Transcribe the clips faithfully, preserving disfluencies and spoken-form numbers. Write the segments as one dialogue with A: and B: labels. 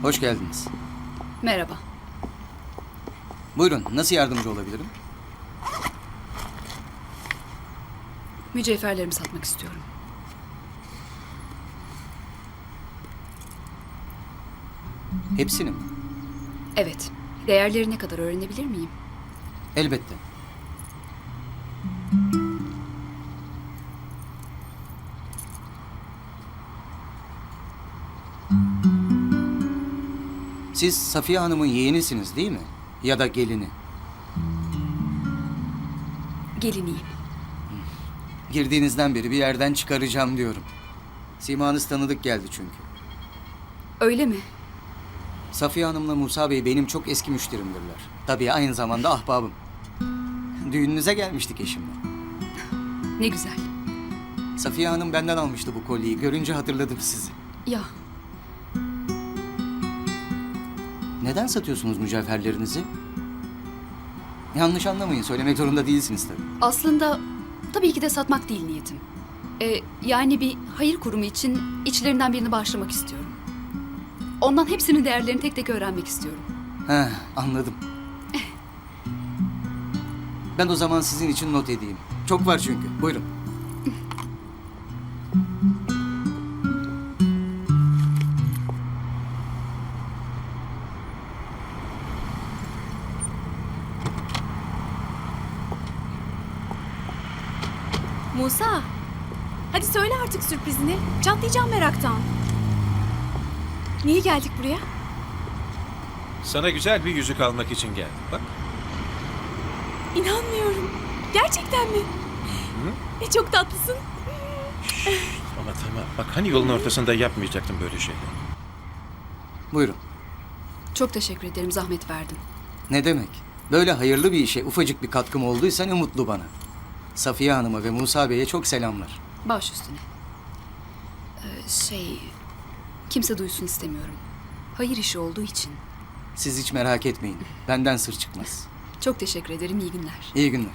A: Hoş geldiniz.
B: Merhaba.
A: Buyurun, nasıl yardımcı olabilirim?
B: Mücevherlerimi satmak istiyorum.
A: Hepsini mi?
B: Evet. Değerleri ne kadar öğrenebilir miyim?
A: Elbette. Siz Safiye Hanım'ın yeğenisiniz değil mi? Ya da gelini.
B: Geliniyim.
A: Girdiğinizden beri bir yerden çıkaracağım diyorum. Simanız tanıdık geldi çünkü.
B: Öyle mi?
A: Safiye Hanım'la Musa Bey benim çok eski müşterimdirler. Tabii aynı zamanda ahbabım. Düğününüze gelmiştik eşimle.
B: Ne güzel.
A: Safiye Hanım benden almıştı bu kolyeyi. Görünce hatırladım sizi.
B: Ya,
A: Neden satıyorsunuz mücevherlerinizi? Yanlış anlamayın, söylemek zorunda değilsiniz tabii.
B: aslında tabii ki de satmak değil niyetim. Ee, yani bir hayır kurumu için içlerinden birini bağışlamak istiyorum. Ondan hepsinin değerlerini tek tek öğrenmek istiyorum.
A: Heh, anladım. Ben o zaman sizin için not edeyim. Çok var çünkü. Buyurun.
C: Musa, hadi söyle artık sürprizini. Çatlayacağım meraktan. Niye geldik buraya?
D: Sana güzel bir yüzük almak için geldim. Bak.
C: İnanmıyorum. Gerçekten mi? E, çok tatlısın.
D: Ama tamam. Bak hani yolun ortasında yapmayacaktım böyle şeyler.
A: Buyurun.
B: Çok teşekkür ederim, zahmet verdim.
A: Ne demek? Böyle hayırlı bir işe ufacık bir katkım olduysa ne mutlu bana. Safiye Hanım'a ve Musa Bey'e çok selamlar.
B: Baş üstüne. Ee, şey, kimse duysun istemiyorum. Hayır işi olduğu için.
A: Siz hiç merak etmeyin. Benden sır çıkmaz.
B: Çok teşekkür ederim, iyi günler.
A: İyi günler.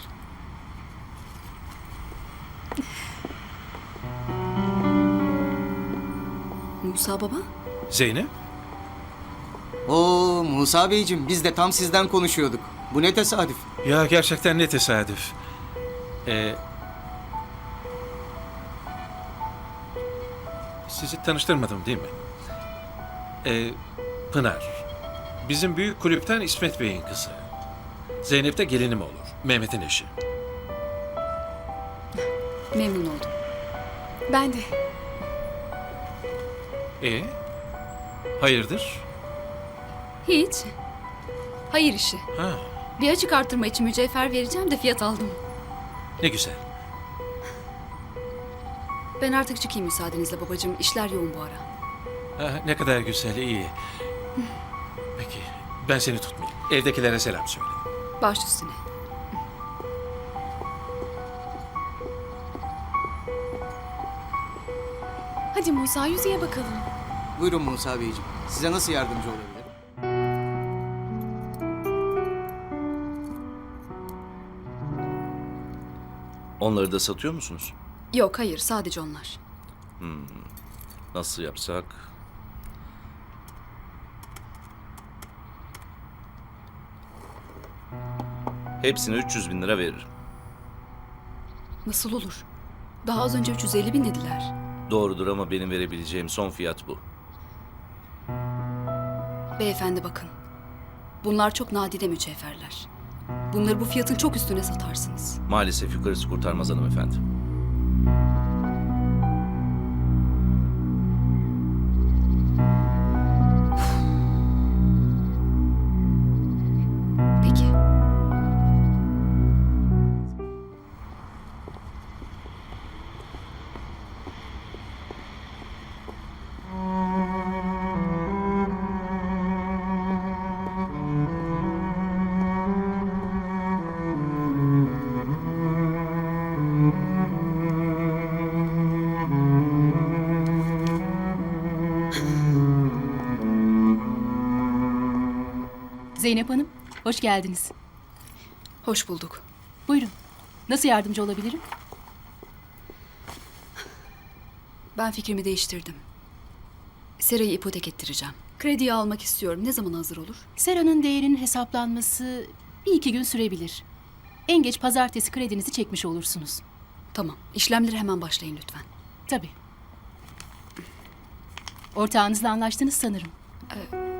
B: Musa baba?
D: Zeynep?
A: Oo Musa Beyciğim, biz de tam sizden konuşuyorduk. Bu ne tesadüf.
D: Ya gerçekten ne tesadüf. Ee, sizi tanıştırmadım değil mi? Ee, Pınar. Bizim büyük kulüpten İsmet Bey'in kızı. Zeynep de gelinim olur. Mehmet'in eşi.
B: Memnun oldum.
C: Ben de.
D: Ee, hayırdır?
B: Hiç. Hayır işi.
D: Ha,
B: Bir açık artırma için mücevher vereceğim de fiyat aldım.
D: ne güzel.
B: Ben artık çıkayım müsaadenizle babacığım. İşler yoğun bu ara.
D: Ha, ne kadar güzel, iyi. Peki, ben seni tutmayayım. Evdekilere selam söyle.
B: Baş üstüne.
C: Hadi Musa, yüzüğe bakalım.
A: Buyurun Musa Beyciğim. Size nasıl yardımcı olabilirim?
E: Onları da satıyor musunuz?
B: Yok hayır, sadece onlar.
E: Nasıl yapsak? Hepsine üç yüz bin lira veririm.
B: Nasıl olur? Daha az önce üç yüz elli bin dediler.
E: Doğrudur ama benim verebileceğim son fiyat bu.
B: Beyefendi bakın. Bunlar çok nadide mücevherler. Bunları bu fiyatın çok üstüne satarsınız.
E: Maalesef yukarısı kurtarmaz hanımefendi.
B: Peki.
F: Zeynep Hanım, hoş geldiniz.
B: Hoş bulduk.
F: Buyurun. Nasıl yardımcı olabilirim?
B: Ben fikrimi değiştirdim. Serayı ipotek ettireceğim. Krediyi almak istiyorum. Ne zaman hazır olur?
F: Sera'nın değerinin hesaplanması bir iki gün sürebilir. En geç pazartesi kredinizi çekmiş olursunuz.
B: Tamam. İşlemleri hemen başlayın lütfen.
F: Tabii. Ortağınızla anlaştınız sanırım.
B: Ee,